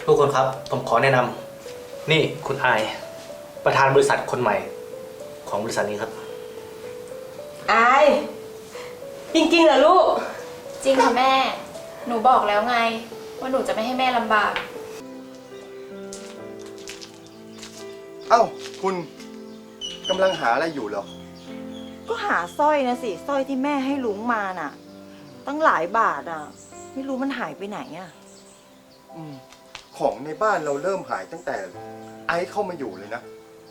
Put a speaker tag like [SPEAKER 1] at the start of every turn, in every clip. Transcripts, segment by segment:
[SPEAKER 1] ทุกคนครับผมขอแนะนำนี่คุณอายประธานบริษัทคนใหม่ของบริษัทนี้ครับ
[SPEAKER 2] อายจริงๆเหรอลูก
[SPEAKER 3] จริงค่ะแม่ หนูบอกแล้วไงว่าหนูจะไม่ให้แม่ลำบาก
[SPEAKER 4] เอ้าคุณกำลังหาอะไรอยู่เหรอ
[SPEAKER 5] ก็หาสร้อยนะสิสร้อยที่แม่ให้ลุงมาน่ะตั้งหลายบาทอ่ะไม่รู้มันหายไปไหนอ่ะ
[SPEAKER 4] ของในบ้านเราเริ่มหายตั้งแต่ไอซ์เข้ามาอยู่เลยนะ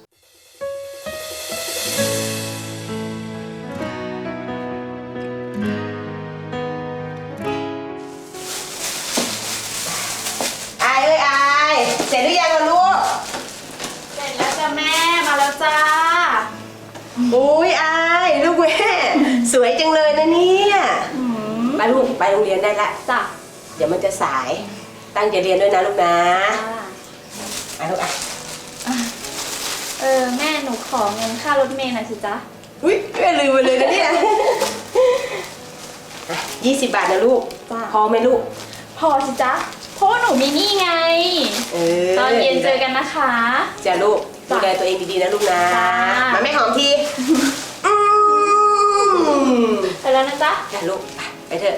[SPEAKER 2] อายเสร็จหรือยังล่ะลูก
[SPEAKER 3] เสร็จแล้วจ้ะแม่มาแล้วจ้า
[SPEAKER 2] อุ้ยอายลูกแม่สวยจังเลยนะเนี่ยมาลูกไปโรงเรียนได้ละ
[SPEAKER 3] จ้ะ
[SPEAKER 2] เดี๋ยวมันจะสายตั้งใจเรียนด้วยนะลูกนะลูก
[SPEAKER 3] แม่หนูขอเงินค่ารถเมล์หน่อยสิจ๊ะ
[SPEAKER 2] อุ้ยแม่ลืมไปเลยนะเนี่ย20 บาทนะลูกพอไหมลูก
[SPEAKER 3] พอสิจ๊ะเพราะว่าหนูมีหนี้ไงตอนเย็นเจอกันนะคะ
[SPEAKER 2] จ้าลูกดูแลตัวเองดีๆนะลูกนะมาแม่หอมที
[SPEAKER 3] ไปแล้วนะจ๊ะ
[SPEAKER 2] จ้าลูกไปเถอะ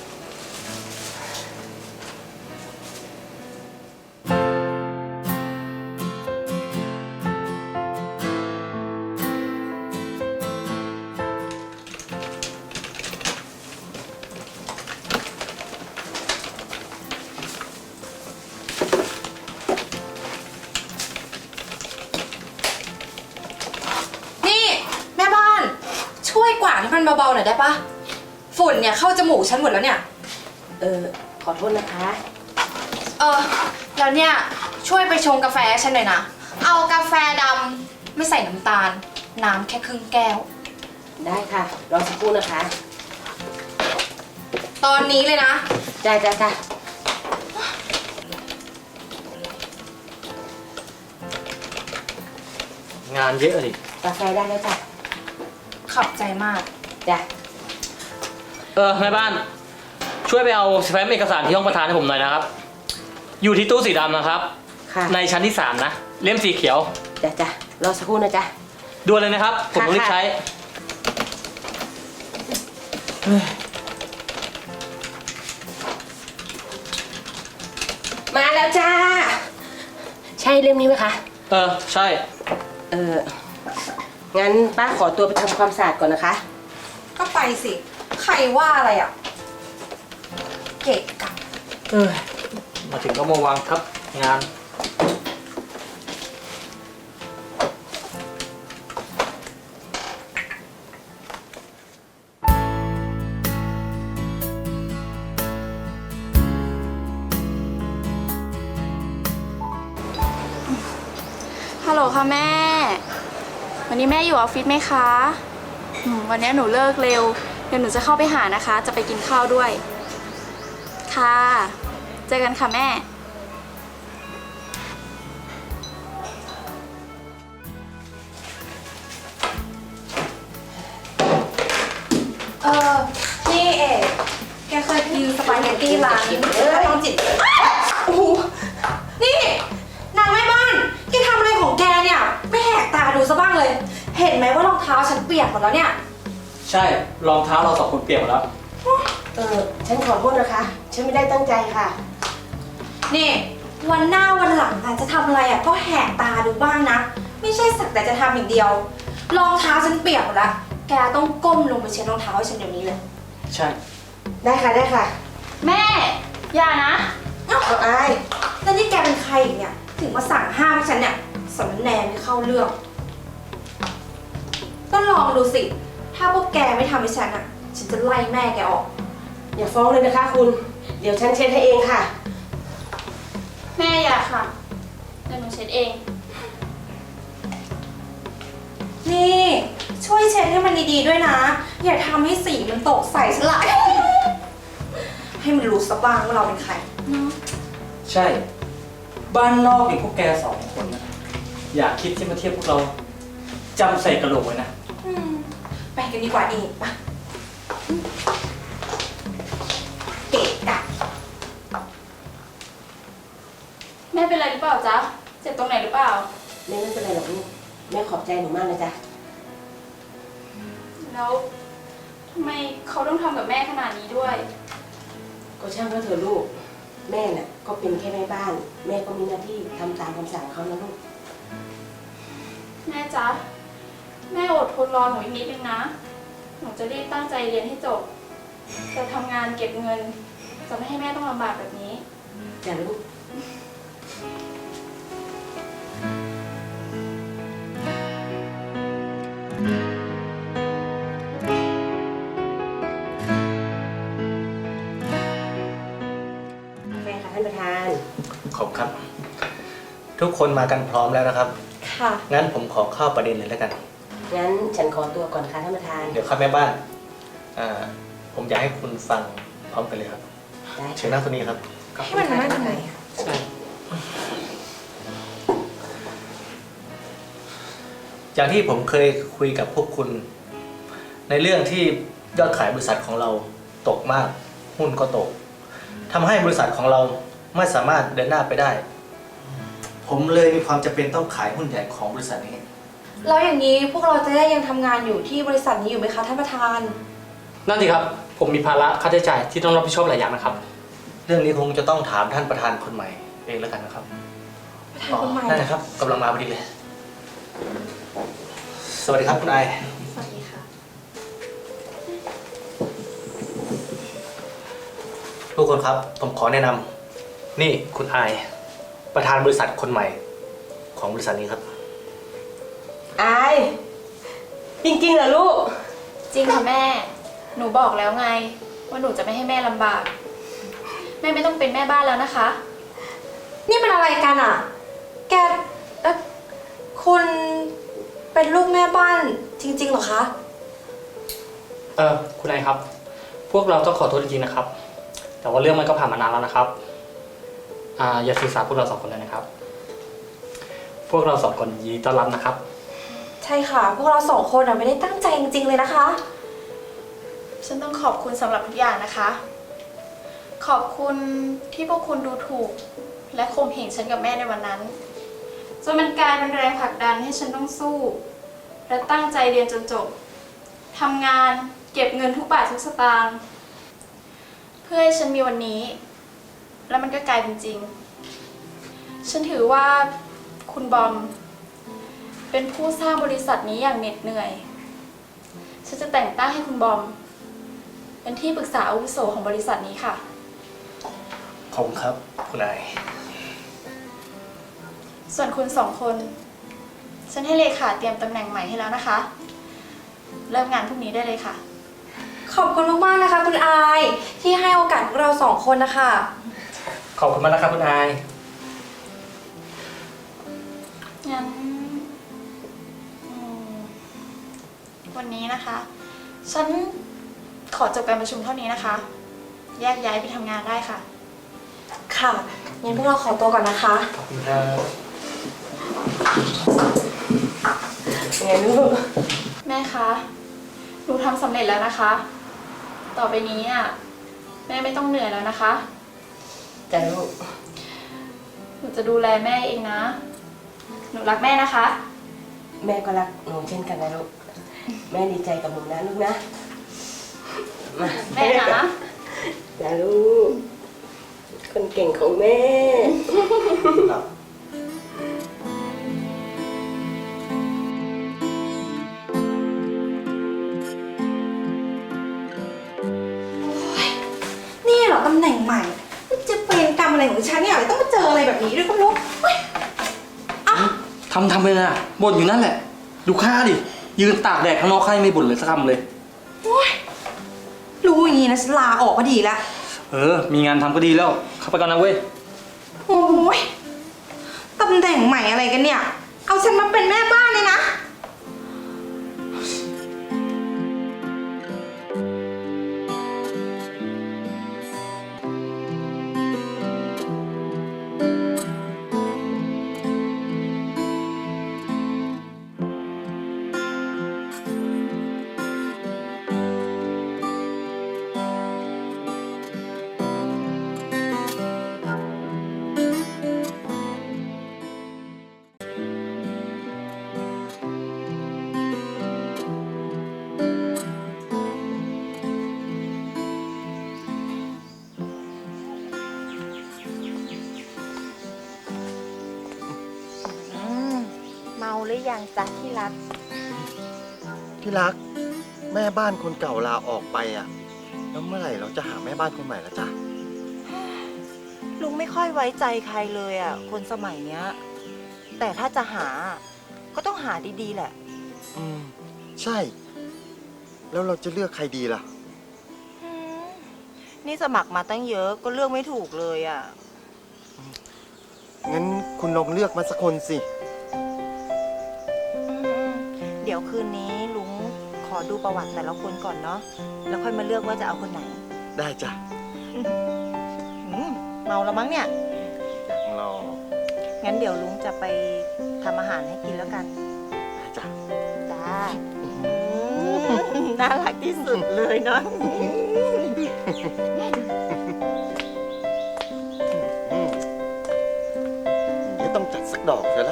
[SPEAKER 6] แม่บ้านช่วยกวาดให้มันเบาๆหน่อยได้ปะฝุ่นเนี่ยเข้าจมูกฉันหมดแล้วเนี่ย
[SPEAKER 2] ขอโทษนะคะ
[SPEAKER 6] แล้วเนี่ยช่วยไปชงกาแฟฉันหน่อยนะเอากาแฟดำไม่ใส่น้ำตาลน้ำแค่ครึ่งแก้ว
[SPEAKER 2] ได้ค่ะรอสักครู่นะคะ
[SPEAKER 6] ตอนนี้เลยนะ
[SPEAKER 2] จ้า
[SPEAKER 1] งานเยอะดิ
[SPEAKER 2] กาแฟได้แล้วจ้ะ
[SPEAKER 6] ขอบใจมาก
[SPEAKER 2] จ้ะ
[SPEAKER 1] แม่บ้านช่วยไปเอาแฟ้มเอกสารที่ห้องประธานให้ผมหน่อยนะครับอยู่ที่ตู้สีดำนะครับในชั้นที่3นะเล่มสีเขียว
[SPEAKER 2] จ้ะรอสักครู่นะจ๊ะ
[SPEAKER 1] ด่วนเลยนะครับผมต้องรีบใช้
[SPEAKER 2] มาแล้วจ้าใช่เล่มนี้ไหมคะ
[SPEAKER 1] ใช่
[SPEAKER 2] งั้นป้าขอตัวไปทำความสะอาดก่อนนะคะ
[SPEAKER 6] ก็ไปสิใครว่าอะไรอ่ะเกะกะ
[SPEAKER 1] มาถึงก็มาวางทับงาน
[SPEAKER 3] ฮัลโหลค่ะแม่วันนี้แม่อยู่ออฟฟิศไหมคะวันนี้หนูเลิกเร็วเดี๋ยวหนูจะเข้าไปหานะคะจะไปกินข้าวด้วยค่ะเจอกันค่ะแม่
[SPEAKER 6] นี่เอกแกเคยกินสปาเกตตี้ร้านทองจิตโอ้โหนี่นางแม่บ้านแกทำอะไรของแกเนี่ยไม่แหกตาดูซะบ้างเลยเห็นไหมว่ารองเท้าฉันเปียกหมดแล้วเนี่ย
[SPEAKER 1] ใช่รองเท้าเรา2 คนเปียกหมดแล้ว
[SPEAKER 2] ฉันขอโทษนะคะฉันไม่ได้ตั้งใจค่ะ
[SPEAKER 6] นี่วันหน้าวันหลังจะทำอะไรก็แหกตาดูบ้างนะไม่ใช่สักแต่จะทำอย่างเดียวรองเท้าฉันเปียกหมดแล้วแกต้องก้มลงไปเช็ดรองเท้าให้ฉันเดี๋ยวนี้เลย
[SPEAKER 1] ใช่
[SPEAKER 2] ได้ค่ะ
[SPEAKER 3] แม่อย่านะ
[SPEAKER 2] เอาอาย
[SPEAKER 6] แล้วนี่แกเป็นใครอีกเนี่ยถึงมาสั่งห้ามให้ฉันเนี่ยสำแนไม่เข้าเรื่องก็ลองดูสิถ้าพวกแกไม่ทำให้ฉันฉันจะไล่แม่แกออก
[SPEAKER 2] อย่าฟ้องเลยนะคะคุณเดี๋ยวฉันเช็ดให้เองค่ะ
[SPEAKER 3] แม่อย่าค่ะเดี๋ยวหนูเช็ดเอง
[SPEAKER 6] นี่ช่วยเช็ดให้มันดีๆด้วยนะอย่าทำให้สีมันตกใส่ฉันละให้มันรู้สะบ้างว่าเราเป็นใคร
[SPEAKER 1] ใช่บ้านนอกอย่างพวกแก2 คนนะอย่าคิดที่มาเทียบพวกเราจำใส่กระโหลกไว้นะ
[SPEAKER 6] ไปกันดีกว่าเองปะเกะกะ
[SPEAKER 3] เป็นไรหรือเปล่าจ๊ะ เจ็บตรงไหนหรือเปล่า
[SPEAKER 2] แม่ไม่เป็นไรหรอกลูกแม่ขอบใจหนูมากนะจ๊ะ
[SPEAKER 3] แล้วทำไมเขาต้องทำกับแม่ขนาดนี้ด้วย
[SPEAKER 2] ก็ช่างเขาเถอะลูกแม่น่ะก็เป็นแค่แม่บ้าน แม่ก็มีหน้าที่ทำตามคำสั่งเขานะลูก
[SPEAKER 3] แม่จ๊ะ แม่อดทนรอหนูอีกนิดนึงนะ หนูจะรีบตั้งใจเรียนให้จบ จะทำงานเก็บเงิน จะไม่ให้แม่ต้องลำบากแบบนี้
[SPEAKER 2] จ้ะลูกกาแฟค่ะท่านประธาน
[SPEAKER 1] ขอบครับ ทุกคนมากันพร้อมแล้วนะครับ
[SPEAKER 5] ค่ะ
[SPEAKER 1] งั้นผมขอเข้าประเด็นเลยแล้วกัน
[SPEAKER 2] งั้นฉันขอตัวก่อนค่ะท่านประธาน
[SPEAKER 1] เดี๋ยวครับแม่บ้านผมอยากให้คุณฟังพร้อมกันเลยครับ
[SPEAKER 2] ได้
[SPEAKER 1] เชิญนั่งตรงนี้ครับ
[SPEAKER 2] ให้มันนั่งตรงไหน
[SPEAKER 1] อย่างที่ผมเคยคุยกับพวกคุณ ในเรื่องที่ยอดขายบริษัทของเราตกมาก หุ้นก็ตกทำให้บริษัทของเราไม่สามารถเดินหน้าไปได้ ผมเลยมีความจำเป็นต้องขายหุ้นใหญ่ของบริษัทนี้
[SPEAKER 6] แล้วอย่างนี้พวกเราจะได้ยังทำงานอยู่ที่บริษัทนี้อยู่ไหมคะท่านประธาน
[SPEAKER 1] นั่นสิครับ ผมมีภาระค่าใช้จ่ายที่ต้องรับผิดชอบหลายอย่างนะครับ เรื่องนี้คงจะต้องถามท่านประธานคนใหม่เองแล้วกันนะครับ
[SPEAKER 6] ประธานคนใหม่
[SPEAKER 1] นั่นนะครับกำลังมาพอดีเลย สวัสดีครับคุณไอ
[SPEAKER 3] สวัสดีค่ะ
[SPEAKER 1] ทุกคนครับ ผมขอแนะนำนี่คุณไอประธานบริษัทคนใหม่ของบริษัทนี้ครับ
[SPEAKER 2] อายจริงๆเหรอลูก
[SPEAKER 3] จริงค่ะแม่ หนูบอกแล้วไง ว่าหนูจะไม่ให้แม่ลำบาก แม่ไม่ต้องเป็นแม่บ้านแล้วนะคะ
[SPEAKER 6] นี่มันอะไรกันอ่ะ แกคุณเป็นลูกแม่บ้านจริงๆเหรอคะ
[SPEAKER 1] คุณไอครับ พวกเราต้องขอโทษจริงๆนะครับ แต่ว่าเรื่องมันก็ผ่านมานานแล้วนะครับอย่าสื่อสารพวกเราสองคนเลยนะครับ พวกเราสองคนยินดีต้อนรับนะครับ
[SPEAKER 6] ใช่ค่ะ พวกเราสองคนไม่ได้ตั้งใจจริงๆเลยนะคะ
[SPEAKER 3] ฉันต้องขอบคุณสำหรับทุกอย่างนะคะ ขอบคุณที่พวกคุณดูถูก และข่มเหงฉันกับแม่ในวันนั้น จนมันกลายเป็นแรงผลักดันให้ฉันต้องสู้ และตั้งใจเรียนจนจบทำงานเก็บเงินทุกบาททุกสตางค์เพื่อให้ฉันมีวันนี้ แล้วมันก็กลายเป็นจริง ฉันถือว่าคุณบอมเป็นผู้สร้างบริษัทนี้อย่างเหน็ดเหนื่อย ฉันจะแต่งตั้งให้คุณบอมเป็นที่ปรึกษาอาวุโสของบริษัทนี้ค่ะ
[SPEAKER 1] ขอบคุณครับคุณไอ
[SPEAKER 3] ส่วนคุณสองคน ฉันให้เลขาเตรียมตำแหน่งใหม่ให้แล้วนะคะ เริ่มงานพรุ่งนี้ได้เลยค่ะ
[SPEAKER 6] ขอบคุณมากๆนะคะ คุณอายที่ให้โอกาสพวกเราสองคนนะคะ
[SPEAKER 1] ขอบคุณมากนะครับคุณไอ
[SPEAKER 3] งั้นวันนี้นะคะ ฉันขอจบการประชุมเท่านี้นะคะ แยกย้ายไปทำงานได้ค่ะ
[SPEAKER 6] ค่ะงั้นพวกเราขอตัวก่อนนะคะ
[SPEAKER 1] ขอบคุณครับ
[SPEAKER 2] ไงลูก
[SPEAKER 3] แม่คะ หนูทำสำเร็จแล้วนะคะ ต่อไปนี้แม่ไม่ต้องเหนื่อยแล้วนะคะ
[SPEAKER 2] จ้ะลูก
[SPEAKER 3] หนูจะดูแลแม่เองนะ หนูรักแม่นะคะ
[SPEAKER 2] แม่ก็รักหนูเช่นกันนะลูก แม่ดีใจกับหนูนะลูกนะมา
[SPEAKER 3] แม่นะ
[SPEAKER 2] จ้ะลูก คนเก่งของแม่
[SPEAKER 6] นี่เหรอตำแหน่งใหม่จะเป็นกรรมอะไรของฉันเนี่ยต้องมาเจออะไรแบบนี้ด้วยก็ไม่รู้เฮ้ย
[SPEAKER 1] ทำไปเลยบ่นอยู่นั่นแหละ ดูค่าดิ ยืนตากแดดข้างนอกให้ไม่บ่นเลยสักคำเลย
[SPEAKER 6] โอ๊ยรู้อย่างนี้นะฉันลาออกก็ดีละ
[SPEAKER 1] มีงานทำก็ดีแล้ว เข้าไปก่อนนะเว้ย
[SPEAKER 6] โอ้ยตำแหน่งใหม่อะไรกันเนี่ย เอาฉันมาเป็นแม่บ้านเลยนะ
[SPEAKER 5] หรือยังจ๊ะที่รัก
[SPEAKER 4] ที่รัก แม่บ้านคนเก่าลาออกไปอ่ะ แล้วเมื่อไหร่เราจะหาแม่บ้านคนใหม่ละจ๊ะ
[SPEAKER 5] ลุงไม่ค่อยไว้ใจใครเลยอ่ะ คนสมัยเนี้ย แต่ถ้าจะหา ก็ต้องหาดีๆแหละ
[SPEAKER 4] ใช่ แล้วเราจะเลือกใครดีล่ะ
[SPEAKER 5] นี่สมัครมาตั้งเยอะก็เลือกไม่ถูกเลยอ่ะ
[SPEAKER 4] งั้นคุณลองเลือกมาสักคนสิ
[SPEAKER 5] เดี๋ยวคืนนี้ลุงขอดูประวัติแต่ละคนก่อนเนาะ แล้วค่อยมาเลือกว่าจะเอาคนไหน
[SPEAKER 4] ได้จ้ะ
[SPEAKER 5] เมาแล้วมั้งเนี่ย
[SPEAKER 4] เรา
[SPEAKER 5] งั้นเดี๋ยวลุงจะไปทำอาหารให้กินแล้วกัน
[SPEAKER 4] ได้จ้ะ
[SPEAKER 5] จ้าน่ารักที่สุดเลยเนาะ
[SPEAKER 4] เดี๋ยวต้องจัดสักดอกเลยละ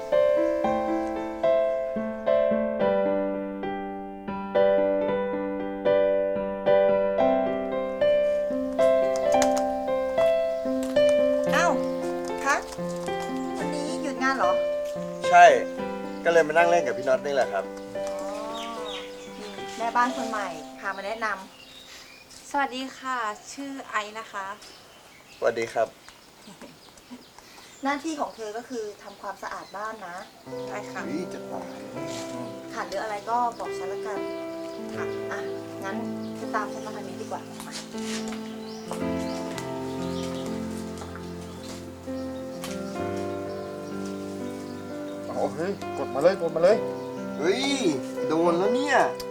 [SPEAKER 5] เอ้าคะวันนี้หยุดงานเหรอ
[SPEAKER 4] ใช่ ก็เลยมานั่งเล่นกับพี่น็อตนี่แหละครับ
[SPEAKER 5] แม่บ้านคนใหม่พามาแนะน
[SPEAKER 6] สวัสดีค่ะ ชื่อไอซ์นะคะ
[SPEAKER 4] สวัสดีครับ
[SPEAKER 5] ำหน้าที่ของเธอก็คือทำความสะอาดบ้านนะ
[SPEAKER 6] ได้ค่ะ
[SPEAKER 4] จะตาย
[SPEAKER 5] ขาดหรืออะไรก็บอกฉันละกัน ค่ะ อ่ะ งั้นเธอตามฉันมาทางนี้ดีกว่ามา
[SPEAKER 4] เอาเฮ้ย กดมาเลย กดมาเลย เฮ้ย โดนแล้วเนี่ย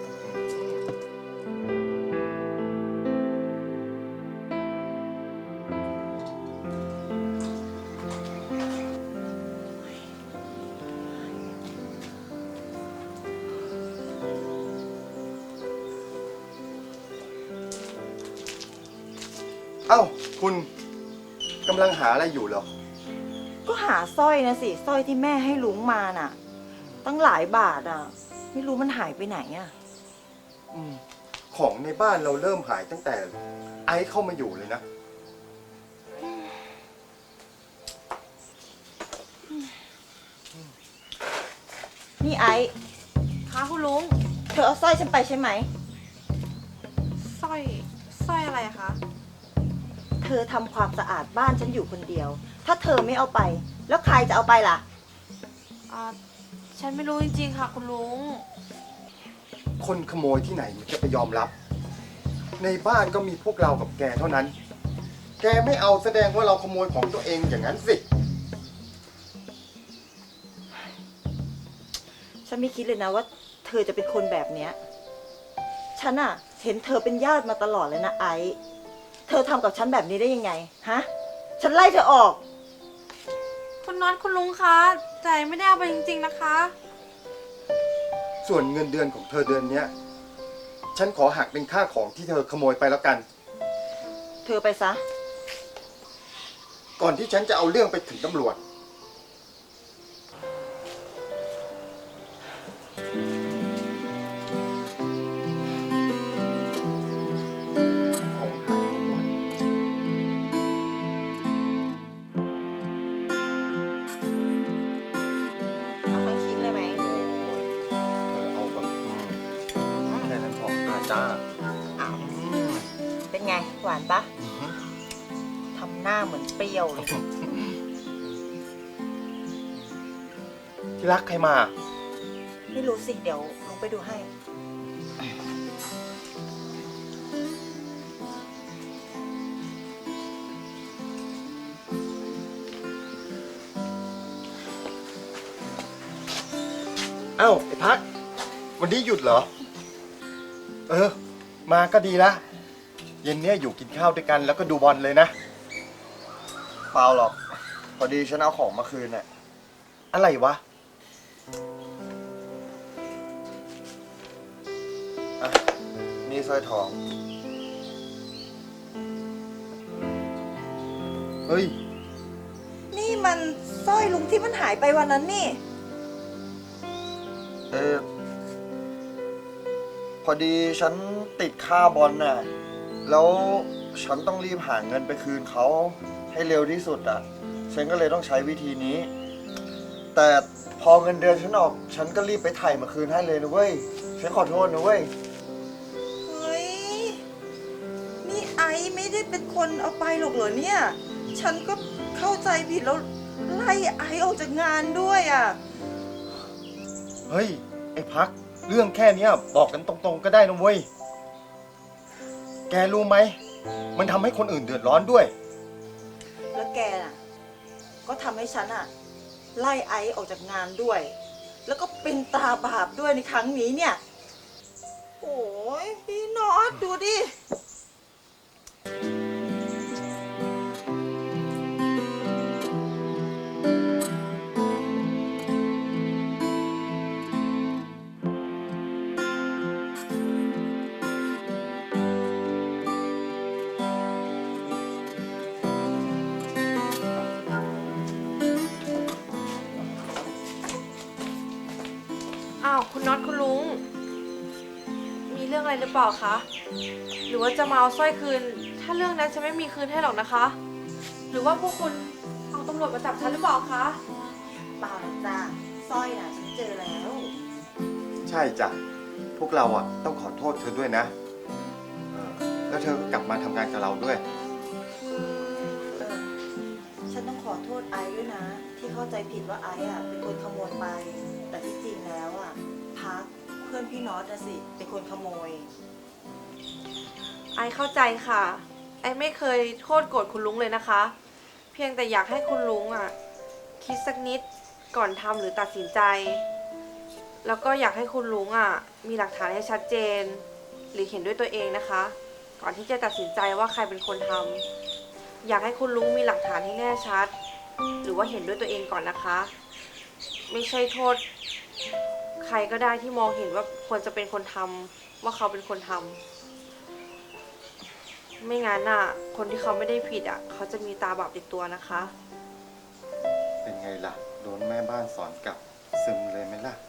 [SPEAKER 4] เอ้า คุณกำลังหาอะไรอยู่เหรอ
[SPEAKER 5] ก็หาสร้อยนะสิ สร้อยที่แม่ให้ลุงมาน่ะ ตั้งหลายบาทอ่ะ ไม่รู้มันหายไปไหนอ่ะ
[SPEAKER 4] ของในบ้านเราเริ่มหายตั้งแต่ไอซ์เข้ามาอยู่เลยนะ
[SPEAKER 5] นี่ไอ้
[SPEAKER 6] ค่ะคุณลุง
[SPEAKER 5] เธอเอาสร้อยฉันไปใช่ไหม
[SPEAKER 6] สร้อยอะไรคะ
[SPEAKER 5] เธอทำความสะอาดบ้านฉันอยู่คนเดียว ถ้าเธอไม่เอาไป แล้วใครจะเอาไปล่ะ
[SPEAKER 6] ฉันไม่รู้จริงๆค่ะคุณลุง
[SPEAKER 4] คนขโมยที่ไหนมันจะไปยอมรับ ในบ้านก็มีพวกเรากับแกเท่านั้น แกไม่เอาแสดงว่าเราขโมยของตัวเองอย่างนั้นสิ
[SPEAKER 5] ฉันไม่คิดเลยนะว่าเธอจะเป็นคนแบบเนี้ย ฉันอะเห็นเธอเป็นญาติมาตลอดเลยนะไอซ์เธอทำกับฉันแบบนี้ได้ยังไง ฮะ ฉันไล่เธอออก
[SPEAKER 6] คุณน็อตคุณลุงคะแต่ไม่ได้เอาไปจริงๆนะคะ
[SPEAKER 4] ส่วนเงินเดือนของเธอเดือนเนี้ย ฉันขอหักเป็นค่าของที่เธอขโมยไปแล้วกัน
[SPEAKER 5] เธอไปซะ
[SPEAKER 4] ก่อนที่ฉันจะเอาเรื่องไปถึงตำรวจ ของหายหมด
[SPEAKER 5] เอาทั้งชิ้นเลยไหม
[SPEAKER 4] เอาแบบแค่นั้นพอจ้า
[SPEAKER 5] เป็นไง หวานปะทำหน้าเหมือนเปรี้ยวเลย
[SPEAKER 4] ที่รักใครมา
[SPEAKER 5] ไม่รู้สิ เดี๋ยวลุงไปดูให้
[SPEAKER 4] เอ้าไอ้พัก วันนี้หยุดเหรอ มาก็ดีละ เย็นเนี้ยอยู่กินข้าวด้วยกันแล้วก็ดูบอลเลยนะ เปล่าหรอก พอดีฉันเอาของมาคืนน่ะ อะไรวะ อ่ะ นี่สร้อยทอง เฮ้ย
[SPEAKER 5] นี่มันสร้อยลุงที่มันหายไปวันนั้นนี่
[SPEAKER 4] พอดีฉันติดค่าบอลน่ะ แล้วฉันต้องรีบหาเงินไปคืนเขาให้เร็วที่สุดอ่ะ ฉันก็เลยต้องใช้วิธีนี้ แต่พพอเงินเดือนฉันออก ฉันก็รีบไปถ่ายมาคืนให้เลยนะเว้ย ฉันขอโทษนะเว้ย
[SPEAKER 5] เฮ้ย นี่ไอซ์ไม่ได้เป็นคนเอาไปหรอกเหรอเนี่ย ฉันก็เข้าใจผิดแล้วไล่ไอซ์ออกจากงานด้วยอ่ะ
[SPEAKER 4] เฮ้ย ไอ้พัก เรื่องแค่เนี้ยบอกกันตรงๆก็ได้นะเว้ย แกรู้ไหม มันทำให้คนอื่นเดือดร้อนด้วย
[SPEAKER 5] แล้วแกน่ะ ก็ทำให้ฉันอ่ะ ไล่ไอซ์ออกจากงานด้วย แล้วก็เป็นตาบาปด้วยในครั้งนี้เนี่ย โอ้ยพี่น็อตดูดิ
[SPEAKER 6] อ้าวคุณน็อตคุณลุง มีเรื่องอะไรหรือเปล่าคะ หรือว่าจะมาเอาสร้อยคืน ถ้าเรื่องนั้นฉันไม่มีคืนให้หรอกนะคะ หรือว่าพวกคุณเอาตำรวจมาจับฉันหรือเปล่าคะ
[SPEAKER 5] เปล่าหรอกจ้าสร้อยน่ะฉันเจอแล้ว
[SPEAKER 4] ใช่จ้ะ พวกเราอ่ะต้องขอโทษเธอด้วยนะแล้วเธอก็กลับมาทำงานกับเราด้วย
[SPEAKER 5] ฉันต้องขอโทษไอซ์ด้วยนะ ที่เข้าใจผิดว่าไอซ์อ่ะเป็นคนขโมยไป แต่ที่จริงแล้วอ่ะพักเพื่อนพี่น็อตน่ะสิเป็นคนขโมย
[SPEAKER 6] ไอเข้าใจค่ะ ไอไม่เคยโทษโกรธคุณลุงเลยนะคะ เพียงแต่อยากให้คุณลุงอ่ะ คิดสักนิดก่อนทำหรือตัดสินใจ แล้วก็อยากให้คุณลุงอ่ะ มีหลักฐานให้ชัดเจน หรือเห็นด้วยตัวเองนะคะ ก่อนที่จะตัดสินใจว่าใครเป็นคนทำอยากให้คุณลุงมีหลักฐานที่แน่ชัด หรือว่าเห็นด้วยตัวเองก่อนนะคะ ไม่ใช่โทษ ใครก็ได้ที่มองเห็นว่าควรจะเป็นคนทำว่าเขาเป็นคนทำไม่งั้นอ่ะ คนที่เขาไม่ได้ผิดอ่ะ เขาจะมีตาบาปติดตัวนะคะ
[SPEAKER 4] เป็นไงล่ะ โดนแม่บ้านสอนกลับซึมเลยไหมล่ะ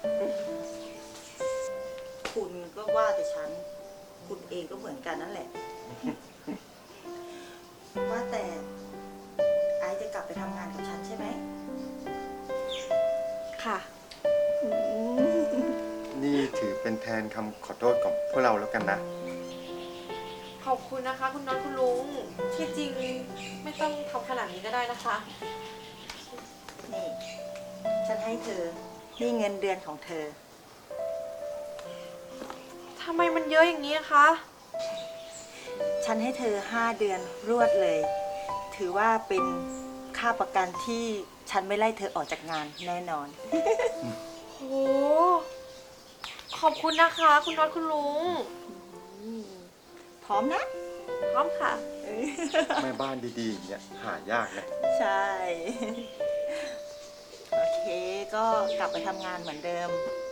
[SPEAKER 5] คุณก็ว่าแต่ฉัน คุณเองก็เหมือนกันนั่นแหละ ว่าแต่ไอซ์จะกลับไปทำงานกับฉันใช่ไหม
[SPEAKER 6] ค่ะ
[SPEAKER 4] นี่ถือเป็นแทนคำขอโทษของพวกเราแล้วกันนะ
[SPEAKER 6] ขอบคุณนะคะ คุณน็อตคุณลุง ที่จริงไม่ต้องทำขนาดนี้ก็ได้นะคะ
[SPEAKER 5] นี่ ฉันให้เธอ นี่เงินเดือนของเธอ
[SPEAKER 6] ทำไมมันเยอะอย่างนี้คะ
[SPEAKER 5] ฉันให้เธอ5 เดือนรวดเลย ถือว่าเป็นค่าประกันที่ฉันไม่ไล่เธอออกจากงานแน่นอน
[SPEAKER 6] โห ขอบคุณนะคะ คุณน็อตคุณลุง
[SPEAKER 5] พร้อมนะ
[SPEAKER 6] พร้อมค่ะ
[SPEAKER 4] แม่บ้านดีๆอย่างเนี่ยหายากนะ
[SPEAKER 5] ใช่ โอเค ก็กลับไปทำงานเหมือนเดิม